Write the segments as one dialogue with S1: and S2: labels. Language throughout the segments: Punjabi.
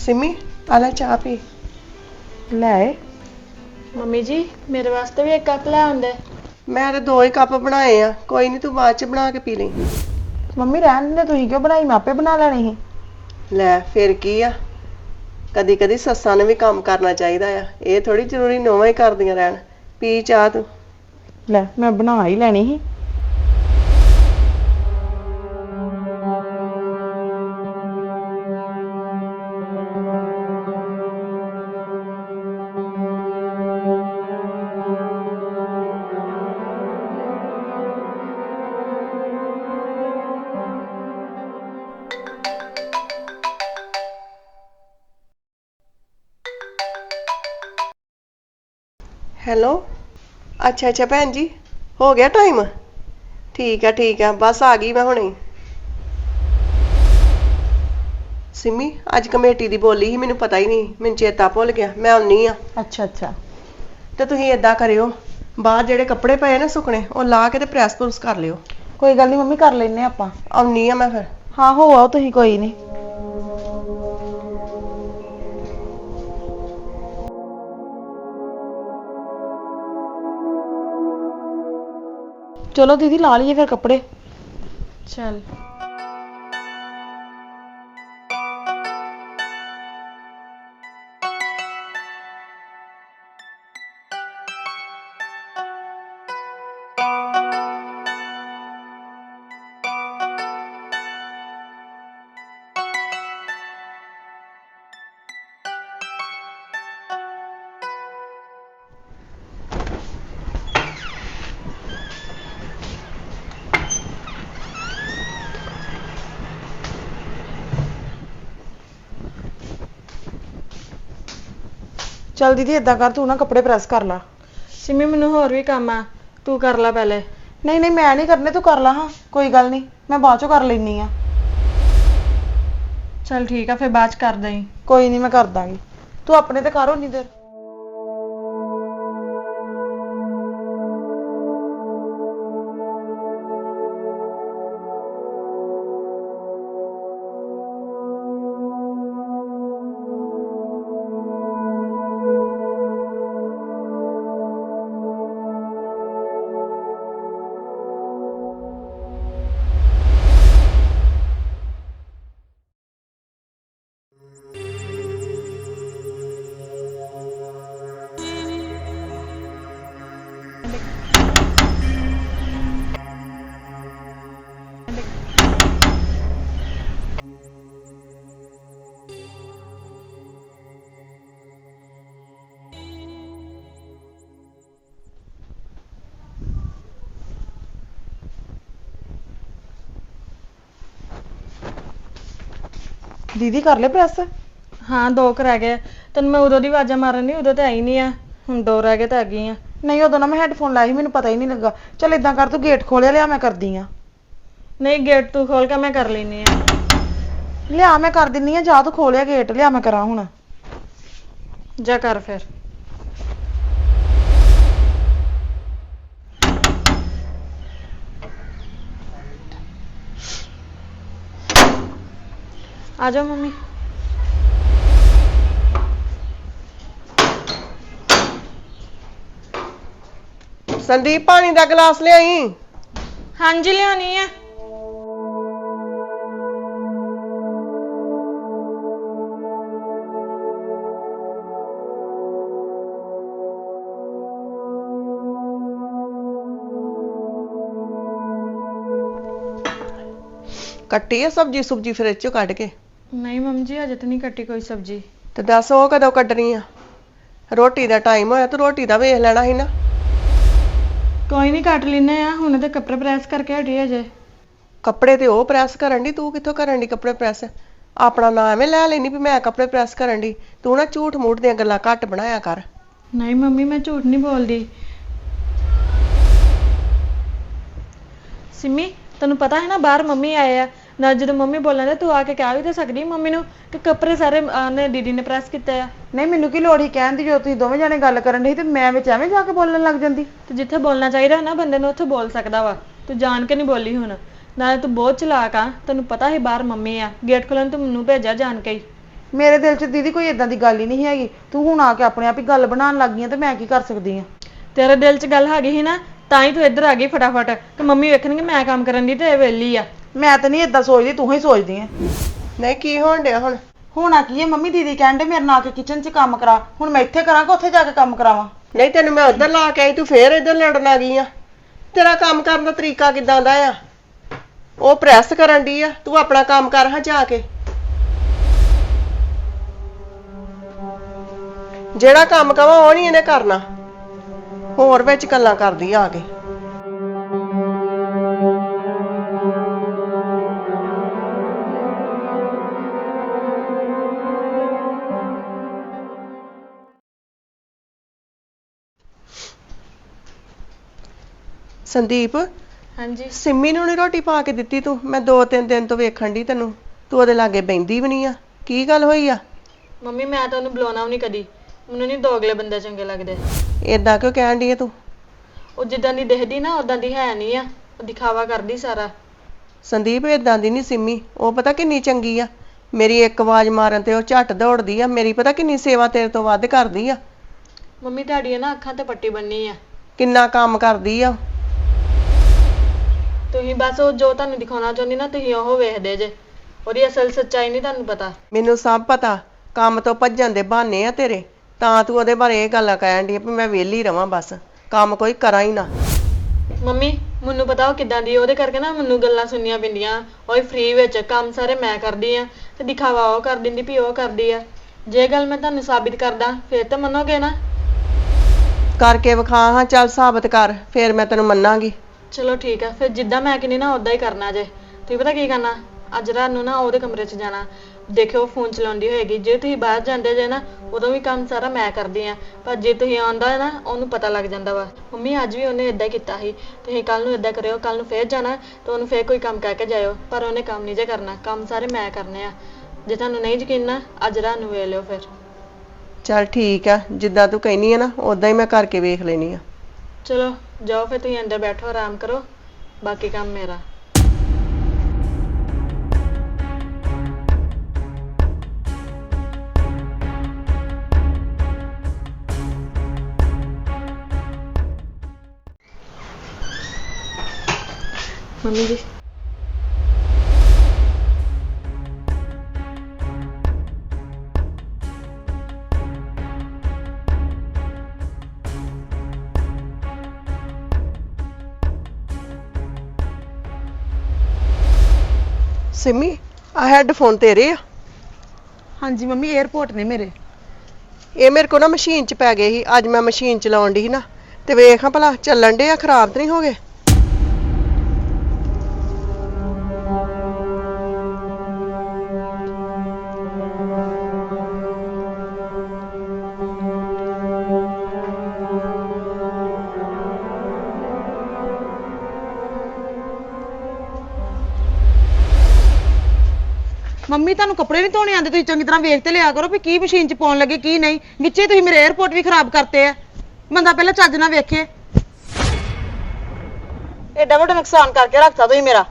S1: सिमी आला चाह पी ले आए।
S2: ਮੰਮੀ ਜੀ ਮੇਰੇ ਵਾਸਤੇ ਵੀ ਇੱਕ ਕੱਪ ਲੈ ਆਉਂਦੇ।
S1: मैं तो 2 ही कप बनाए आ, कोई नहीं तू बाद च बना के पी ली।
S3: ਮੰਮੀ ਰਹਿਣ ਦੇ, ਤੁਸੀਂ ਕਿਉਂ ਬਣਾਈ? ਮੈਂ ਆਪੇ ਬਣਾ ਲੈਣੀ ਸੀ।
S1: ਲੈ ਫਿਰ ਕੀ ਆ, ਕਦੀ ਕਦੀ ਸੱਸਾਂ ਨੇ ਵੀ ਕੰਮ ਕਰਨਾ ਚਾਹੀਦਾ ਆ, ਇਹ ਥੋੜੀ ਜ਼ਰੂਰੀ ਨੋਵਾਂ ਹੀ ਕਰਦੀਆਂ ਰਹਿਣ। ਪੀ ਚਾਹ ਤੂੰ।
S3: ਲੈ ਮੈਂ ਬਣਾ ਹੀ ਲੈਣੀ ਸੀ।
S1: ਹੈਲੋ, ਅੱਛਾ ਅੱਛਾ ਭੈਣ ਜੀ, ਹੋ ਗਿਆ ਟਾਈਮ? ਠੀਕ ਆ, ਬਸ ਆ ਗਈ ਮੈਂ ਹੁਣੇ। ਸਿਮੀ ਅੱਜ ਕਮੇਟੀ ਦੀ ਬੋਲੀ ਸੀ, ਮੈਨੂੰ ਪਤਾ ਹੀ ਨਹੀਂ, ਮੈਨੂੰ ਚੇਤਾ ਭੁੱਲ ਗਿਆ, ਮੈਂ ਆਉਣੀ ਆ।
S3: ਅੱਛਾ ਅੱਛਾ,
S1: ਤੇ ਤੁਸੀਂ ਏਦਾਂ ਕਰਿਓ, ਬਾਹਰ ਜਿਹੜੇ ਕੱਪੜੇ ਪਏ ਨਾ ਸੁੱਕਣੇ, ਉਹ ਲਾ ਕੇ ਤੇ ਪ੍ਰੈਸ ਪ੍ਰੂਸ ਕਰ ਲਿਓ।
S3: ਕੋਈ ਗੱਲ ਨਹੀਂ ਮੰਮੀ, ਕਰ ਲੈਨੇ ਆਪਾਂ।
S1: ਆਉਣੀ ਆ ਮੈਂ ਫਿਰ।
S3: ਹਾਂ ਹੋ ਆਓ ਤੁਸੀਂ, ਕੋਈ ਨਹੀਂ। ਚਲੋ ਦੀਦੀ ਲਾ ਲਈਏ ਫਿਰ ਕੱਪੜੇ।
S2: ਚੱਲ
S3: ਚੱਲ ਦੀਦੀ ਏਦਾਂ ਕਰ, ਤੂੰ ਨਾ ਕੱਪੜੇ ਪ੍ਰੈਸ ਕਰ ਲਾ।
S2: ਸਿਮੀ ਮੈਨੂੰ ਹੋਰ ਵੀ ਕੰਮ ਆ, ਤੂੰ ਕਰ ਲੈ ਪਹਿਲੇ।
S3: ਨਹੀਂ ਨਹੀਂ ਮੈਂ ਨਹੀਂ ਕਰਨੇ, ਤੂੰ ਕਰ ਲਾ। ਹਾਂ ਕੋਈ ਗੱਲ ਨਹੀਂ, ਮੈਂ ਬਾਅਦ ਚੋਂ ਕਰ ਲੈਣੀ ਆ।
S2: ਚੱਲ ਠੀਕ ਆ, ਫਿਰ ਬਾਅਦ ਚ ਕਰ ਦਈ।
S3: ਕੋਈ ਨਹੀਂ ਮੈਂ ਕਰ ਦਾਂਗੀ, ਤੂੰ ਆਪਣੇ ਤੇ ਕਰ ਉਨੀ ਦੇਰ। ਦੀਦੀ ਕਰ ਲੈ ਪ੍ਰੈਸ?
S2: ਹਾਂ 2 ਕੁ ਰਹਿ ਗਏ। ਤੈਨੂੰ ਮੈਂ ਉਦੋਂ ਦੀ ਆਵਾਜ਼ਾਂ ਮਾਰਨ ਨਹੀਂ, ਉਦੋਂ ਤਾਂ ਆਈ ਨਹੀਂ ਆ, ਹੁਣ 2 ਰਹਿ ਗਏ ਤਾਂ ਆ ਗਈ ਆ।
S3: ਨਹੀਂ ਉਦੋਂ ਨਾ ਮੈਂ ਹੈੱਡਫੋਨ ਲਾਏ ਸੀ, ਮੈਨੂੰ ਪਤਾ ਹੀ ਨਹੀਂ ਲੱਗਾ। ਚੱਲ ਏਦਾਂ ਕਰ, ਤੂੰ ਗੇਟ ਖੋਲਿਆ, ਲਿਆ ਮੈਂ ਕਰਦੀ ਆ।
S2: ਨਹੀਂ ਗੇਟ ਤੂੰ ਖੋਲ ਕੇ ਮੈਂ ਕਰ ਲੈਨੀ ਆ।
S3: ਲਿਆ ਮੈਂ ਕਰ ਦਿੰਨੀ ਆ, ਜਾ ਤੂੰ ਖੋਲਿਆ ਗੇਟ, ਲਿਆ ਮੈਂ ਕਰਾਂ ਹੁਣ।
S2: ਜਾ ਕਰ ਫਿਰ। ਆ ਜਾਓ ਮੰਮੀ।
S1: ਸੰਦੀਪ ਪਾਣੀ ਦਾ ਗਲਾਸ ਲਿਆਈ।
S2: ਹਾਂਜੀ ਲਿਆਉਣੀ ਆ।
S1: ਕੱਟੀ ਆ ਸਬਜੀ ਸੁਬਜੀ ਫਰਿੱਜ ਚੋਂ ਕੱਢ ਕੇ?
S2: ਨਹੀਂ ਮੰਮੀ ਜੀ ਅਜੇ ਤਾਂ ਨਹੀਂ ਕੱਟੀ ਕੋਈ ਸਬਜ਼ੀ।
S1: ਤੇ ਦੱਸ ਉਹ ਕਦੋਂ ਕੱਢਣੀ ਆ? ਰੋਟੀ ਦਾ ਟਾਈਮ ਹੋਇਆ, ਤੂੰ ਰੋਟੀ ਦਾ ਵੇਖ ਲੈਣਾ ਸੀ ਨਾ।
S2: ਕੋਈ ਨਹੀਂ ਕੱਟ ਲੈਨੇ ਆ, ਹੁਣ ਤੇ ਕੱਪੜੇ ਪ੍ਰੈਸ ਕਰਕੇ ਹਟੀ ਅਜੇ।
S1: ਕੱਪੜੇ ਤੇ ਉਹ ਪ੍ਰੈਸ ਕਰਨ ਦੀ, ਤੂੰ ਕਿੱਥੋਂ ਕਰਨ ਦੀ ਕੱਪੜੇ ਪ੍ਰੈਸ? ਆਪਣਾ ਨਾਂ ਐਵੇਂ ਲੈ ਲੈਣੀ ਵੀ ਮੈਂ ਕੱਪੜੇ ਪ੍ਰੈਸ ਕਰਨ ਦੀ। ਤੂੰ ਨਾ ਝੂਠ ਮੂਠ ਦੀਆਂ ਗੱਲਾਂ ਘੱਟ ਬਣਾਇਆ ਕਰ।
S2: ਨਹੀਂ ਮੰਮੀ ਮੈਂ ਝੂਠ ਨਹੀਂ ਬੋਲਦੀ। ਸਿਮੀ ਤੈਨੂੰ ਪਤਾ ਹੈ ਨਾ ਬਾਹਰ ਮੰਮੀ ਆਏ ਆ ਨਾ, ਜਦੋਂ ਮੰਮੀ ਬੋਲਣ ਦੇ ਤੂੰ ਆ ਕੇ ਕਹਿ ਵੀ ਤਾਂ ਸਕਦੀ ਮੰਮੀ ਨੂੰ ਕਿ ਕੱਪੜੇ ਸਾਰੇ ਨੇ ਦੀਦੀ ਨੇ ਪ੍ਰੈਸ ਕੀਤੇ ਆ।
S3: ਨਹੀਂ ਮੈਨੂੰ ਕੀ ਲੋੜ ਹੀ ਕਹਿਣ ਦੀ, ਜੋ ਤੁਸੀਂ ਦੋਵੇਂ ਜਾਣੇ ਗੱਲ ਕਰਨ ਦੇ ਤੇ ਮੈਂ ਵਿੱਚ ਐਵੇਂ ਜਾ ਕੇ ਬੋਲਣ ਲੱਗ ਜਾਂਦੀ।
S2: ਤੇ ਜਿੱਥੇ ਬੋਲਣਾ ਚਾਹੀਦਾ ਨਾ ਬੰਦੇ ਨੂੰ ਉੱਥੇ ਬੋਲ ਸਕਦਾ ਵਾ। ਤੂੰ ਜਾਣ ਕੇ ਨਹੀਂ ਬੋਲੀ ਹੁਣ, ਨਾਲੇ ਤੂੰ ਬਹੁਤ ਚਲਾਕ ਆ। ਤੈਨੂੰ ਪਤਾ ਹੀ ਬਾਹਰ ਮੰਮੀ ਆ, ਗੇਟ ਖੋਲਣ ਤੂੰ ਮੈਨੂੰ ਭੇਜਿਆ ਜਾਣ ਕੇ ਹੀ।
S3: ਮੇਰੇ ਦਿਲ 'ਚ ਦੀਦੀ ਕੋਈ ਇਦਾਂ ਦੀ ਗੱਲ ਹੀ ਨਹੀਂ ਹੈਗੀ। ਤੂੰ ਹੁਣ ਆ ਕੇ ਆਪਣੇ ਆਪ ਹੀ ਗੱਲ ਬਣਾਉਣ ਲੱਗ ਗਈ ਆ ਤੇ ਮੈਂ ਕੀ ਕਰ ਸਕਦੀ ਆ।
S2: ਤੇਰੇ ਦਿਲ 'ਚ ਗੱਲ ਹੈਗੀ ਸੀ ਨਾ, ਤਾਂ ਹੀ ਤੂੰ ਇੱਧਰ ਆ ਗਈ ਫਟਾਫਟ ਕਿ ਮੰਮੀ ਵੇਖਣਗੇ ਮੈਂ ਕੰਮ ਕਰਨ ਦੀ ਤੇ ਇਹ ਵਿਹਲੀ ਆ।
S3: ਮੈਂ ਤਾਂ ਨਹੀਂ ਇਦਾਂ ਸੋਚਦੀ, ਤੂੰ ਹੀ ਸੋਚਦੀ ਆ।
S1: ਨਹੀਂ ਕੀ ਹੋਣ ਡਿਆ ਹੁਣ?
S3: ਹੋਣਾ ਕੀ ਹੈ ਮੰਮੀ, ਦੀਦੀ ਕਹਿੰਦੇ ਮੇਰੇ ਨਾਲ ਆ ਕੇ ਕਿਚਨ 'ਚ ਕੰਮ ਕਰਾ। ਹੁਣ ਮੈਂ ਇੱਥੇ ਕਰਾਂ ਕਿ ਉੱਥੇ ਜਾ ਕੇ ਕੰਮ ਕਰਾਵਾਂ?
S1: ਨਹੀਂ ਤੈਨੂੰ ਮੈਂ ਉੱਧਰ ਲਾ ਕੇ ਆਈ, ਤੂੰ ਫੇਰ ਇੱਧਰ ਲੜਨ ਆ ਗਈ ਆ। ਤੇਰਾ ਕੰਮ ਕਰਨ ਦਾ ਤਰੀਕਾ ਕਿਦਾਂ ਦਾ ਆ? ਉਹ ਪ੍ਰੈਸ ਕਰਨ ਦੀ ਆ, ਤੂੰ ਆਪਣਾ ਕੰਮ ਕਰ ਹਾਂ ਜਾ ਕੇ। ਜਿਹੜਾ ਕੰਮ ਕਵਾਂ ਉਹ ਨਹੀਂ ਇਹਨੇ ਕਰਨਾ, ਹੋਰ ਵਿੱਚ ਗੱਲਾਂ ਕਰਦੀ ਆ ਕੇ। ਸੰਦੀਪ,
S2: ਹਾਂਜੀ
S1: ਸਿੰਮੀ ਨੂੰ ਨੀ ਰੋਟੀ ਪਾ ਕੇ ਦਿੱਤੀ ਤੂੰ? ਮੈਂ 2-3 ਦਿਨ ਤੋਂ ਵੇਖਣ ਦੀ ਤੈਨੂੰ, ਤੂੰ ਉਹਦੇ ਲਾਗੇ ਬੈੰਦੀ ਵੀ ਨਹੀਂ ਆ। ਕੀ ਗੱਲ ਹੋਈ ਆ?
S2: ਮੰਮੀ ਮੈਂ ਤਾਂ ਉਹਨੂੰ ਬੁਲਾਉਣਾ ਵੀ ਨਹੀਂ ਕਦੀ, ਮੈਨੂੰ ਨਹੀਂ ਦੋਗਲੇ ਬੰਦੇ ਚੰਗੇ ਲੱਗਦੇ।
S1: ਏਦਾਂ ਕਿਉਂ ਕਹਿਣ ਡਈ ਆ ਤੂੰ?
S2: ਉਹ ਜਿੱਦਾਂ ਦੀ ਦਿਖਦੀ ਨਾ ਉਦਾਂ ਦੀ ਹੈ ਨਹੀਂ ਆ, ਉਹ ਦਿਖਾਵਾ ਕਰਦੀ ਸਾਰਾ।
S1: ਸੰਦੀਪ ਏਦਾਂ ਦੀ ਨਹੀਂ ਸਿੰਮੀ, ਉਹ ਪਤਾ ਕਿੰਨੀ ਚੰਗੀ ਆ। ਮੇਰੀ ਇੱਕ ਆਵਾਜ਼ ਮਾਰਨ ਤੇ ਉਹ ਝੱਟ ਦੌੜਦੀ ਆ। ਮੇਰੀ ਪਤਾ ਕਿੰਨੀ ਸੇਵਾ ਤੇਰੇ ਤੋਂ ਵੱਧ ਕਰਦੀ ਆ।
S2: ਮੰਮੀ ਤੁਹਾਡੀਆਂ ਨਾ ਅੱਖਾਂ ਤੇ ਪੱਟੀ ਬੰਨੀ ਆ।
S1: ਕਿੰਨਾ ਕੰਮ ਕਰਦੀ ਆ।
S2: ਤੁਸੀਂ ਬਸ ਉਹ ਜੋ ਤੁਹਾਨੂੰ ਦਿਖਾਉਣਾ ਚਾਹੁੰਦੀ ਨਾ ਤੁਸੀਂ ਉਹ ਵੇਖਦੇ ਜੇ, ਉਹਦੀ ਅਸਲ ਸੱਚਾਈ ਨਹੀਂ ਤੁਹਾਨੂੰ ਪਤਾ।
S1: ਮੈਨੂੰ ਸਭ ਪਤਾ, ਕੰਮ ਤੋਂ ਭੱਜਣ ਦੇ ਬਹਾਨੇ ਆ ਤੇਰੇ, ਤਾਂ ਤੂੰ ਉਹਦੇ ਬਾਰੇ ਇਹ ਗੱਲਾਂ ਕਹਿਣ ਡਈ ਆ ਵੀ ਮੈਂ ਵਿਹਲੀ ਰਵਾਂ, ਬਸ ਕੰਮ ਕੋਈ ਕਰਾਂ ਹੀ ਨਾ।
S2: ਮੰਮੀ ਮੈਨੂੰ ਪਤਾ ਉਹ ਕਿੱਦਾਂ ਦੀ, ਉਹਦੇ ਕਰਕੇ ਨਾ ਮੈਨੂੰ ਗੱਲਾਂ ਸੁਣਨੀਆਂ ਪੈਂਦੀਆਂ। ਉਹ ਫ੍ਰੀ ਵਿੱਚ ਕੰਮ ਸਾਰੇ ਮੈਂ ਕਰਦੀ ਆ ਤੇ ਦਿਖਾਵਾ ਉਹ ਕਰ ਦਿੰਦੀ ਵੀ ਉਹ ਕਰਦੀ ਆ। ਜੇ ਗੱਲ ਮੈਂ ਤੁਹਾਨੂੰ ਸਾਬਿਤ ਕਰਦਾ ਫਿਰ ਤਾਂ ਮੰਨੋਗੇ ਨਾ?
S1: ਕਰਕੇ ਵਿਖਾ ਹਾਂ, ਚੱਲ ਸਾਬਤ ਕਰ, ਫੇਰ ਮੈਂ ਤੈਨੂੰ ਮੰਨਾਂਗੀ।
S2: ਚਲੋ ਠੀਕ ਆ, ਫਿਰ ਜਿੱਦਾਂ ਮੈਂ ਕਹਿੰਦੀ ਨਾ ਉਦਾਂ ਹੀ ਕਰਨਾ ਜੇ। ਤੁਸੀਂ ਪਤਾ ਕੀ ਕਰਨਾ, ਅੱਜ ਰਾਤ ਨੂੰ ਨਾ ਉਹਦੇ ਕਮਰੇ 'ਚ ਜਾਣਾ, ਦੇਖਿਓ ਫੋਨ ਚਲਾਉਂਦੀ ਹੋਏਗੀ। ਜੇ ਤੁਸੀਂ ਬਾਹਰ ਜਾਂਦੇ ਜੇ ਨਾ ਉਦੋਂ ਵੀ ਕੰਮ ਸਾਰਾ ਮੈਂ ਕਰਦੀ ਆ, ਪਰ ਜੇ ਤੁਸੀਂ ਆਉਂਦਾ ਨਾ ਉਹਨੂੰ ਪਤਾ ਲੱਗ ਜਾਂਦਾ ਵਾ। ਮੰਮੀ ਅੱਜ ਵੀ ਉਹਨੇ ਇਦਾਂ ਕੀਤਾ ਸੀ, ਤੁਸੀਂ ਕੱਲ ਨੂੰ ਇਦਾਂ ਕਰਿਓ, ਕੱਲ ਨੂੰ ਫੇਰ ਜਾਣਾ ਤਾਂ ਉਹਨੂੰ ਫੇਰ ਕੋਈ ਕੰਮ ਕਹਿ ਕੇ ਜਾਇਓ, ਪਰ ਉਹਨੇ ਕੰਮ ਨਹੀਂ ਜੇ ਕਰਨਾ, ਕੰਮ ਸਾਰੇ ਮੈਂ ਕਰਨੇ ਆ। ਜੇ ਤੁਹਾਨੂੰ ਨਹੀਂ ਯਕੀਨ ਨਾ ਅੱਜ ਰਾਤ ਨੂੰ ਵੇਖ ਲਿਓ ਫਿਰ।
S1: ਚੱਲ ਠੀਕ ਆ, ਜਿੱਦਾਂ ਤੂੰ ਕਹਿਨੀ ਆ ਨਾ ਉਦਾਂ ਹੀ ਮੈਂ ਕਰਕੇ ਵੇਖ ਲੈਣੀ ਆ।
S2: ਚਲੋ ਜਾਓ ਫਿਰ, ਤੁਸੀਂ ਅੰਦਰ ਬੈਠੋ ਆਰਾਮ ਕਰੋ, ਬਾਕੀ ਕੰਮ ਮੇਰਾ। ਮੰਮੀ ਜੀ
S1: ਸਿੰਮੀ, ਆ ਹੈੱਡਫੋਨ ਤੇਰੇ ਆ?
S3: ਹਾਂਜੀ ਮੰਮੀ, 에어ਪੋਰਟ ਨੇ ਮੇਰੇ।
S1: ਇਹ ਮੇਰੇ ਕੋ ਨਾ ਮਸ਼ੀਨ 'ਚ ਪੈ ਗਏ ਸੀ, ਅੱਜ ਮੈਂ ਮਸ਼ੀਨ ਚਲਾਉਣ ਦੀ ਸੀ ਨਾ, ਤੇ ਵੇਖ ਹਾਂ ਭਲਾ ਚੱਲਣ ਡੇ ਆ, ਖਰਾਬ ਤਾਂ ਨਹੀਂ ਹੋ ਗਏ?
S3: ਮੰਮੀ ਤੁਹਾਨੂੰ ਕੱਪੜੇ ਨਹੀਂ ਧੋਣੇ ਆਉਂਦੇ? ਤੁਸੀਂ ਚੰਗੀ ਤਰ੍ਹਾਂ ਵੇਖ ਤੇ ਲਿਆ ਕਰੋ ਵੀ ਕੀ ਮਸ਼ੀਨ 'ਚ ਪਾਉਣ ਲੱਗੇ ਕੀ ਨਹੀਂ। ਵਿੱਚੇ ਤੁਸੀਂ ਮੇਰੇ 에어ਪੋਰਟ ਵੀ ਖਰਾਬ ਕਰਤੇ ਆ। ਬੰਦਾ ਪਹਿਲਾਂ ਚੱਜ ਨਾਲ ਵੇਖੇ। ਐਡਾ ਵੱਡਾ ਨੁਕਸਾਨ ਕਰਕੇ ਰੱਖਤਾ ਤੁਸੀਂ ਮੇਰਾ।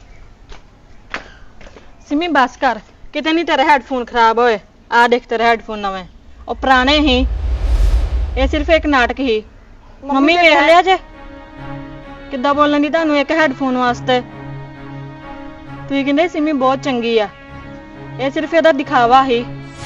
S2: ਸਿਮੀ ਬਸ ਕਰ, ਕਿਤੇ ਨਹੀਂ ਤੇਰੇ ਹੈੱਡਫੋਨ ਖਰਾਬ ਹੋਏ। ਆ ਦੇਖ ਤੇਰੇ ਹੈੱਡਫੋਨ ਨਵੇਂ, ਉਹ ਪੁਰਾਣੇ ਹੀ, ਇਹ ਸਿਰਫ ਇੱਕ ਨਾਟਕ ਹੀ। ਮੰਮੀ ਵੇਖ ਲਿਆ ਜੇ ਕਿੱਦਾਂ ਬੋਲਣ ਦੀ ਤੁਹਾਨੂੰ ਇੱਕ ਹੈੱਡਫੋਨ ਵਾਸਤੇ। ਤੁਸੀਂ ਕਹਿੰਦੇ ਸਿਮੀ ਬਹੁਤ ਚੰਗੀ ਆ, ਇਹ ਸਿਰਫ ਇਹਦਾ ਦਿਖਾਵਾ ਹੀ।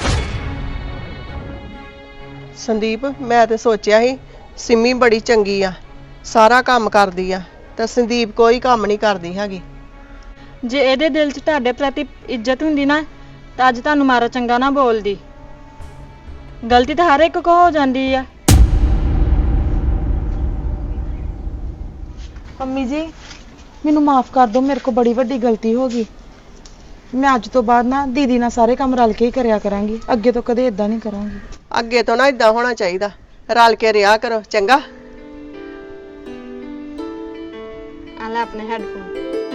S1: ਸੰਦੀਪ, ਮੈਂ ਤੇ ਸੋਚਿਆ ਸੀ ਸਿੰਮੀ ਬੜੀ ਚੰਗੀ ਆ, ਸਾਰਾ ਕੰਮ ਕਰਦੀ ਆ, ਤੇ ਸੰਦੀਪ ਕੋਈ ਕੰਮ ਨਹੀਂ ਕਰਦੀ ਹੈਗੀ।
S2: ਜੇ ਇਹਦੇ ਦਿਲ 'ਚ ਤੁਹਾਡੇ ਪ੍ਰਤੀ ਇੱਜ਼ਤ ਹੁੰਦੀ ਨਾ ਤਾਂ ਅੱਜ ਤੁਹਾਨੂੰ ਮਾਰਾ ਚੰਗਾ ਨਾ ਬੋਲਦੀ। ਗਲਤੀ ਤਾਂ ਹਰ ਇੱਕ ਕੋ ਹੋ ਜਾਂਦੀ ਆ।
S3: ਮੰਮੀ ਜੀ ਮੈਨੂੰ ਮਾਫ ਕਰ ਦਿਓ, ਮੇਰੇ ਕੋਲ ਬੜੀ ਵੱਡੀ ਗਲਤੀ ਹੋ ਗਈ। ਮੈਂ ਅੱਜ ਤੋਂ ਬਾਅਦ ਨਾ ਦੀਦੀ ਨਾਲ ਸਾਰੇ ਕੰਮ ਰਲ ਕੇ ਹੀ ਕਰਿਆ ਕਰਾਂਗੀ, ਅੱਗੇ ਤੋਂ ਕਦੇ ਇਦਾਂ ਨਹੀਂ ਕਰਾਂਗੀ।
S1: ਅੱਗੇ ਤੋਂ ਨਾ ਇਦਾਂ ਹੋਣਾ ਚਾਹੀਦਾ, ਰਲ ਕੇ ਰਿਹਾ ਕਰੋ, ਚੰਗਾ?
S2: ਆ ਲੈ ਆਪਣੇ ਹੈੱਡਫੋਨ।